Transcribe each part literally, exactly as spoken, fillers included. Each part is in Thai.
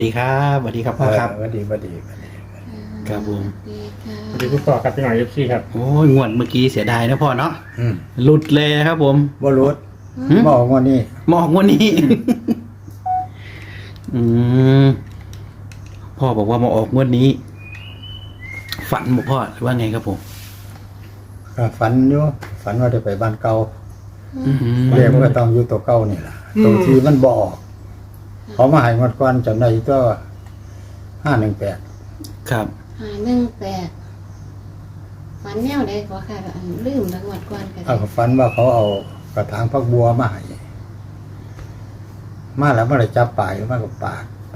สวัสดีครับสวัสดีครับพ่อครับสวัสดีสวัสดีสวัสดีครับผมดีค่ะสวัสดีคุณพ่อครับพี่หน่อยเอฟซีครับโอ้ยงวดเมื่อกี้เสียดายนะพ่อเนาะอืมหลุดเลยนะครับผมบ่รู้หืมบอกว่านี่มองวันนี้ อืมพ่อบอกว่ามาออกงวดนี้ ฝันบอกพ่อหรือว่าไงครับผมก็ฝันอยู่ฝันว่าจะไปบ้านเก่าอืมเรียกว่าต้องอยู่ตัวเก่านี่ล่ะตัวที่มันบ่ออกเขามาให้งวดก่อนจำได้ก็ห้าหนึ่งแปดครับหาหนึ่งแปดฝันแนวใดขอค่ะอันลืมทั้งหมดก่อนกันเอาก็ฝันว่าเขาเอากระถางพักบัวมาให้มาแล้วมันเลยจับปลายมันก็ปาดไป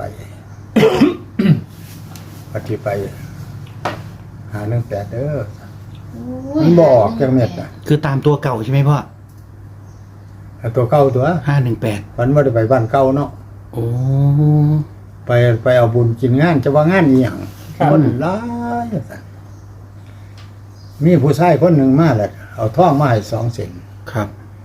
ปฏิไปหาหนึ่งแปดเด้อ มันบ่ออกจังเม็ดน่ะคือตามตัวเก่าใช่ไหมพ่อเอาตัวเก่าตัวห้าหนึ่งแปดฝันว่าจะไปบ้านเก่าเนาะโอ้ไปไปเอาบุญกินงานจะว่างานอีหยังคนหลายสั่นมีผู้ชายคนหนึ่งมาแหละเอาท่องมาให้สองเส้นครับ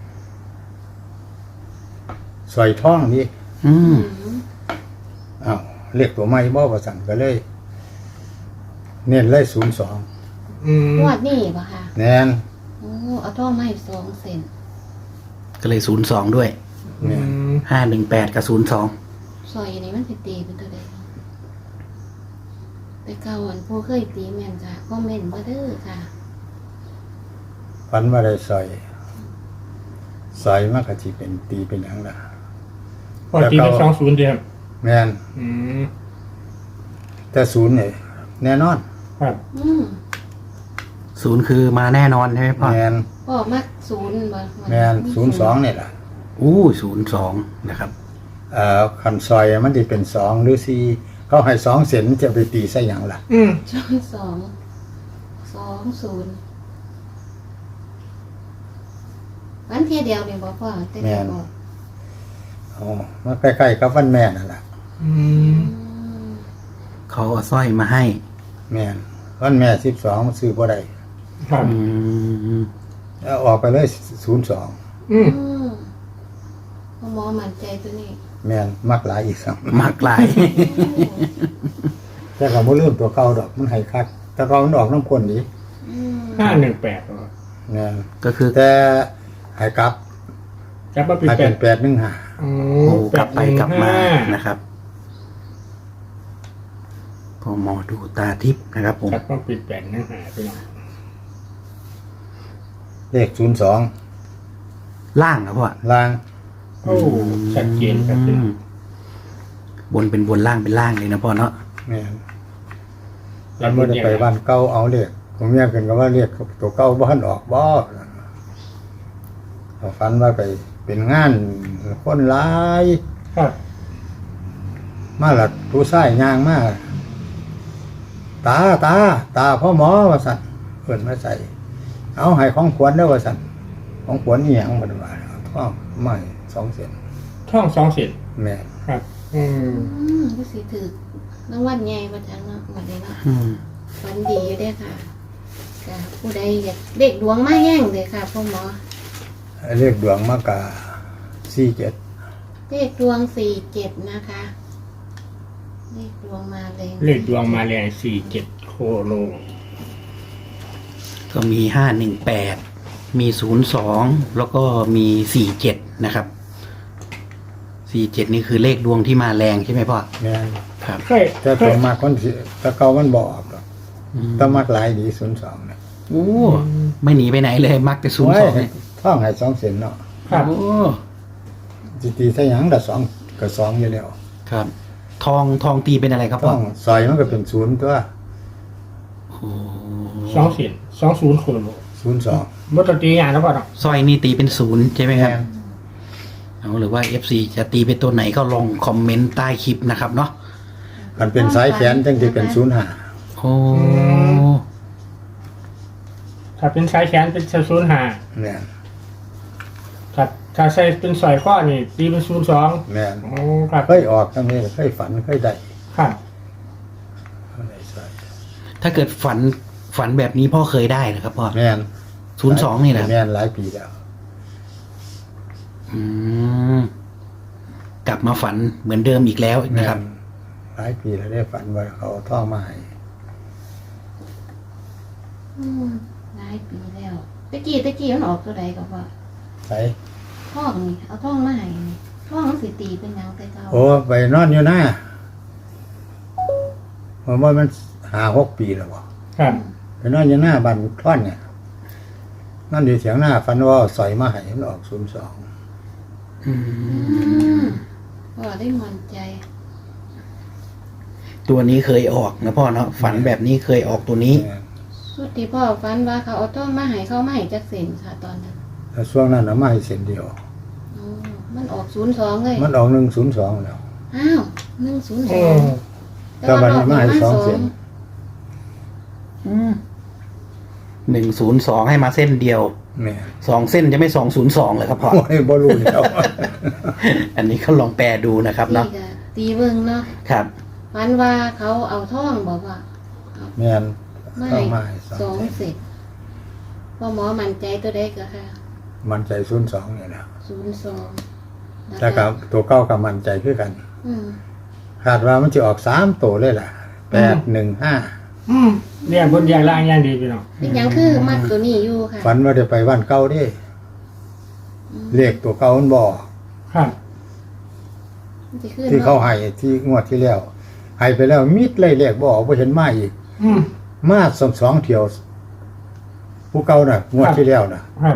สอยท่องนี่อืมอ้าวเรียกตัวไม่บ่ประสั่งก็เลย เน้นเลยศูนย์สองอืมงวดนี่ป่ะค่ะแนนโอ้เอาท่อไม้สองเซนก็เลยศูนย์สองด้วยอืเนี่ยมห้าหนึ่งแปดกับศูนย์สองซอยนี้มันสิตีเป็นตัวใดแต่เก่าอันผู้เคยตีแม่นจ้ะก็แม่นบ่เด้อค่ะฟันว่าได้สอยสอยมากกะที่เป็นตีเป็นอย่างละพ่อตีเป็นสองศูนย์เดียวแมนอืมแต่ศูนย์เนี่ยแน่นอนครับอืมศูนย์คือมาแน่นอนใช่ไหมพ่อแมนพ่อมักศูนย์บ่แมนศูนย์สองเนี่ยล่ะอู้ศูนย์สองนะครับเอ่อคันซอยมันจะเป็นสองหรือสี่เขาให้สองเส้นจะไปตีใส่อย่างล่ะอืมสองสองสองศูนย์วันเทียเดียวเนี่ยบ่พ่อแต่เดียวบอกอ๋อมันใกล้ๆกับวันแม่นั่นแหละอืมอืมเขาเอาสร้อยมาให้แม่นวันแม่สิบสองมันซื้อบ่ได้ครับอืมแล้วออกไปเลยศูนย์สองอืมอืมพ่อหมอมั่นใจตัวนี้แม่นมักหลายอีกสังมากหลายแต่ก็บ่ลืมตัวเก่าดอกมันให้คักแต่เก่ามันออกน้ำข้นดีอืมห้าหนึ่งแปดแม่นก็คือแต่ให้กลับจับมาเป็นให้แปเป็ดนแปดหนึ่งห้าโอ้โอ้กลับไปกลับมานะนะครับพอหมอดูตาทิพย์นะครับผมจับมาเป็นแปดนะหาพี่น้องเลขศูนย์สองล่างครับพ่อล่างโอ้ชัดเจนครับพี่อืน้อมงบนเป็นบนล่างเป็นล่างเลยนะพ่อเนาะแม่นแล้วบ่ได้ไปบ้านเก่าเอาเลขผมเมียกันก็ว่าเลขตัวเก่าบ่ทันออกบ่เอาฝันว่าไปเป็นงานคนหลายครับมาละผู้ชายย่างมาตาตาตาพ่อหมอว่าสั่นเพิ่นมาใส่ เอาให้ของขวัญเด้อว่าสั่นของขวัญอีหยังบ่ได้ว่าเอาท่องไม้สองเส้นท่องสองเสียนแม่นครับ อืมอืมก็สิถือรางวัลใหญ่ประจังเนาะหมดเลยเนาะอืมฝันดีอยู่เด้อค่ะค่ะผู้ใดอยากเด็กดวงมาแห้งเลยค่ะพ่อหมอเลขดวงมากาสี่เจ็ดเลขดวงสี่เจ็ดนะคะเลขดวงมาเลยเลขดวงมาแรงสี่เจ็ดโคโลก็มีห้าหนึ่งแปดมีศูนย์สองแล้วก็มีสี่เจ็ดนะครับสี่เจ็ดนี่คือเลขดวงที่มาแรงใช่ไหมพ่อแม่นครับเคยแต่เคตัวย มากคนสิแตะเก่ามันบ่ออกดอกอืมแตะมักหลายดีศูนย์สองน่ะโอ้ไม่หนีไปไหนเลย มักจะศูนย์สองโอ้ยท่องให้สองเส้นเนาะครับโอ้สิตีใส่หยังละสองก็สองอยู่แล้วครับ ทองทองตีเป็นอะไรครับท่พ่อองซอยมันก็เป็นศูนย์ตัวโอ้สองเสียนสองศูนย์โคโลศูนย์สองมัตตีอย่างแล้วป่ะเนาะสร้อยนี่ตีเป็นศูนย์ใช่ไหมครับแม่นเอาหรือว่า เอฟ ซี จะตีเป็นตัวไหนก็ลองคอมเมนต์ใต้คลิปนะครับเนาะมันเป็นสายแขนจังสิเป็นศูนย์ห้าโอ้ถ้าเป็นสายแขนเป็นศูนย์หาแม่นถ้าถ้าใส่เป็นสอยข้อนี่ตีเป็นศูนย์สองแม่นโอ้ครับเคยออกจังนี้เคยฝันเคยได้ครับได้ใส่ถ้าเกิดฝันฝันแบบนี้พ่อเคยได้นะครับพ่อแม่นศูนย์สองนี่แหละแม่นหลายปีแล้วอืมกลับมาฝันเหมือนเดิมอีกแล้วแม่นะครับนหลายปีแล้วได้ฝันว่าเขาเอาท่องมาให้อืมหลายปีแล้วตะกี้ตะกี้มันออกตัวใดก็ว่าใส่ท่องนี่เอาท่องมาให้นี่ท่องมันสิตีเป็นหยังแต่เก่าโอ้ไปนอนอยู่หน้าผมว่ามันหาหกปีแล้วบ่ครับไปนอนอยู่หน้าบ้านท่อนเนี่ยนอนอยู่เถียงหน้าฝันว่าเอาสอยมาให้มันออกศูนย์สองอือืมมพ่อได้มั่นใจตัวนี้เคยออกนะพ่อเนาะฝันแบบนี้เคยออกตัวนี้สุดที่พ่อฝันว่าเขาเอาท่องมาให้เขามาให้จักเส้นค่ะตอนนั้นแล้วช่วงนั้นเอามาให้เส้นเดียวอ๋อมันออกศูนย์สองเลยมันออกหนึ่งศูนย์สองแล้วอ้าวหนึ่งศูนย์สอืองมแต่วันนี้มาให้สองเส้นหนึ่งศูนย์สองให้มาเส้นเดียวแม่สองเส้นจะไม่สองศูนย์สองเลยครับพ่อโอ้ยบ่รู้แล้วอันนี้เขาลองแปลดูนะครับตีเนาะกะตีเบิ่งเนาะครับฝันว่าเขาเอาท่องบอกว่าแม่นไม่ต้องมาให้สสออง งเส้นเสร็จพ่อหมอมั่นใจตัวใดก็ค่ะมันใจศูนย์สองนี่แหละศูนย์สองแต่กับตัวเก้ากับมันใจคือกันอืมคาดว่ามันจะออกสามตัวเลยล่ะแปดหนึ่งห้าอืมเรียงบนเรียงล่างอย่างดีพี่น้องเป็นหยังคือมัดตัวนี้อยู่ค่ะฝันว่าจะไปบ้านเก่าเด้อืมเลขตัวเก่ามันบอกครับมันสิขึ้นที่เขาบ่ให้ที่งวดที่แล้วให้ไปแล้วมิดเลยเลขบอกว่าเห็นมาอีกอืมมาสองสองเที่ยว ผู้เก่าน่ะ งวดที่แล้วน่ะครับ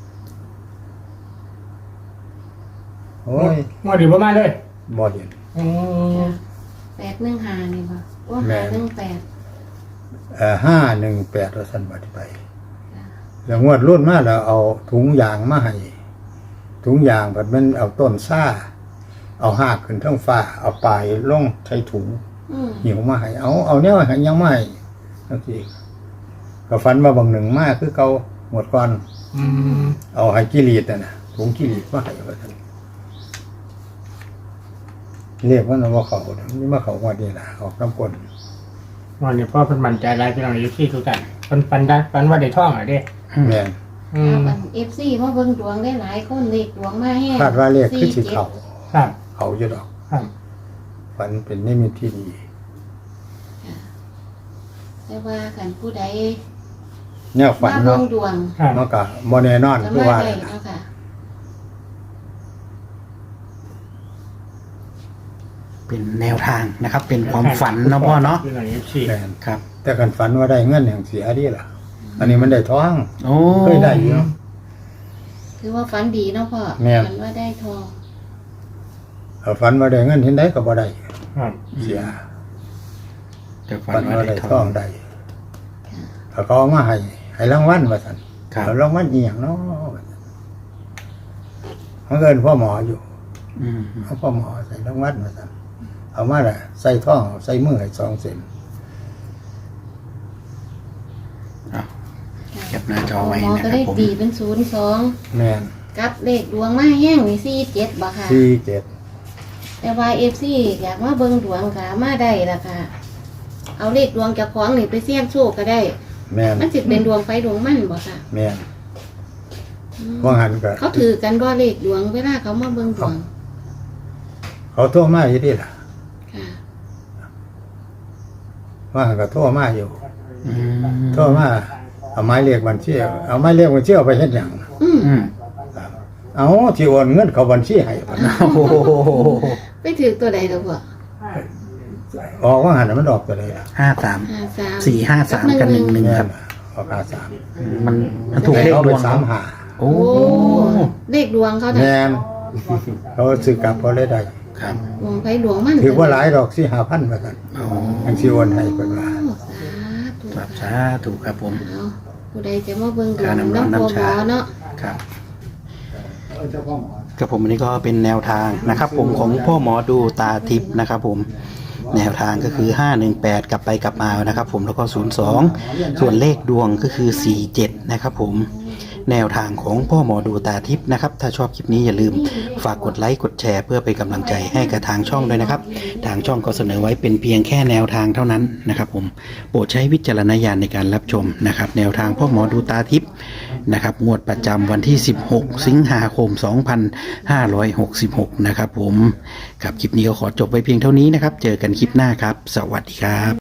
โอ้ยงวดดีประมาณเลยบ่เห็นอืมแปดหนึ่งหานี่บ่ว่าแม่หาน หนึ่งแปดเอ่อห้าหนึ่งแปดเราสั่นบัดไป แล้วงวดรุ่นมาแล้วเอาถุงยางมาให้ถุงยางแบบมันเอาต้นซ่า เอาหากขึ้นทั้งฟ้า เอาปลายลงใช้ถุงอืมหิวมาให้เอาเอาเนี่ยให้ยังไม่ทั้งทีก็ฝันมาบางหนึ่งมากคือเขาหมดก่อนอืมเอาให้กิรีดน่ะนะถุงกิรีดมาให้ว่าท่านเรียกว่าน้ำว่าเขาน่ะนี่มาเขาว่าดีนะออกน้ำกลวันนี้พ่อเพิ่นมั่นใจหลายพี่น้องอยู่ที่ทุกท่านเพิ่นปันได้ปันว่าได้ท่องอ่ะเด้แม่นอืมเอฟซีเพราะเบิ่งดวงได้หลายคนเลขดวงมาแห้งคาดว่าเรียกคือสิเขาครับเขาอยู่ดอกครับฝันเป็นนิมิตที่ดีแต่ว่าขันผู้ใดเนี่ยฝันมาเบิ่เนาะงดวงครับมันก็บ่แน่นอนก็คือมาว่าได้น่ะเนาะค่ะเป็นแนวทางนะครับ เป็นความฝันนะพ่อเนาะพี่น้องเอฟซีแม่นครับแต่กันฝันว่าได้เงินอย่างเสียดีล่ะ อันนี้มันได้ท้องโอ้เคยได้อยู่ถือว่าฝันดีเนาะพ่อแม่นฝันว่าได้ทองเอาฝันว่าได้เงินเห็นได้ก็บ่ได้ครับเสียแต่ฝัฝันนว่าว่าได้ได้ทท้ออง งได้เขาก็เอามาให้ให้รางวัลว่าซั่นครับเอารางวัลอีหยังเนาะมันเกินพ่อหมออยู่อืมเอาพ่อหมอใส่รางวัลว่าซั่นเอามาละใส่ท้องใส่มือให้สองเส้นเอาเก็บหน้าจอไว้หมอนะก็ครัได้บผมตีเป็นศูนย์สองแม่นกับเลขดวงมาแห้งนี่สี่เจ็ดบ่ค่ะสี่เจ็ดแต่ว่าเอฟซีอยากมาเบิ่งดวงค่ะมาได้ละค่ะ เอาเลขดวงจากของนี่ไปเสี่ยงโชคก็ได้แม่นมันสิเป็นดวงไฟดวงมันบ่ค่ะแม่นอืมว่าหันก็เขาถือกันว่าเลขดวงเวลาเขามาเบิ่งดวงเขาโทรมาอยู่ดิล่ะค่ะว่าหันก็โทรมาอยู่อืมโทรมาเอาไม้เรียกบัญชีเอาไม้เรียกบัญชีเอาไปเฮ็ดหยังอืมอืมครับเอาที่โอนเงินเขาบัญชีให้บัดนั้นโอ้โหไปถือตัวใดตัวพ่อออกว่าหันน่ะมันออกตัวใดล่ะห้าสามห้าสามสี่ห้าสามกับหนึ่งหนึ่งแม่ครับนออกห้าสามมันมันถูกเลขเขาดไปวงสามหาโอ้โอ้เลขดวงเขาน่ะแม่นเขาซื้อกลับเขาเลยได้ครับดวงไฟดวงมันถือว่าหลายดอกสี่ห้าพันว่ากันโอ้อันสิโอนให้เพิ่นว่าโอ้สาธุครับสาธุครับผมเอาผู้ใดจะมาเบิ่งดวการงนำร้อนน้ำพ่อน้ำหมชาอเนาะครับกับผมอันนี้ก็เป็นแนวทางนะครับ ผมของพ่อหมอดูตาทิพย์นะครับผมแนวทางก็คือห้าหนึ่งแปดกลับไปกลับมานะครับ ผมแล้วก็ศูนย์สองส่วนเลขดวงก็คือสี่เจ็ดนะครับผมแนวทางของพ่อหมอดูตาทิพย์นะครับถ้าชอบคลิปนี้อย่าลืมฝากกดไลค์กดแชร์เพื่อเป็นกำลังใจให้กับทางช่องด้วยนะครับทางช่องก็เสนอไว้เป็นเพียงแค่แนวทางเท่านั้นนะครับผมโปรดใช้วิจารณญาณในการรับชมนะครับแนวทางพ่อหมอดูตาทิพย์นะครับงวดประจำวันที่สิบหกสิงหาคมสองพันห้าร้อยหกสิบหกนะครับผมครับคลิปนี้ก็ขอจบไว้เพียงเท่านี้นะครับเจอกันคลิปหน้าครับสวัสดีครับ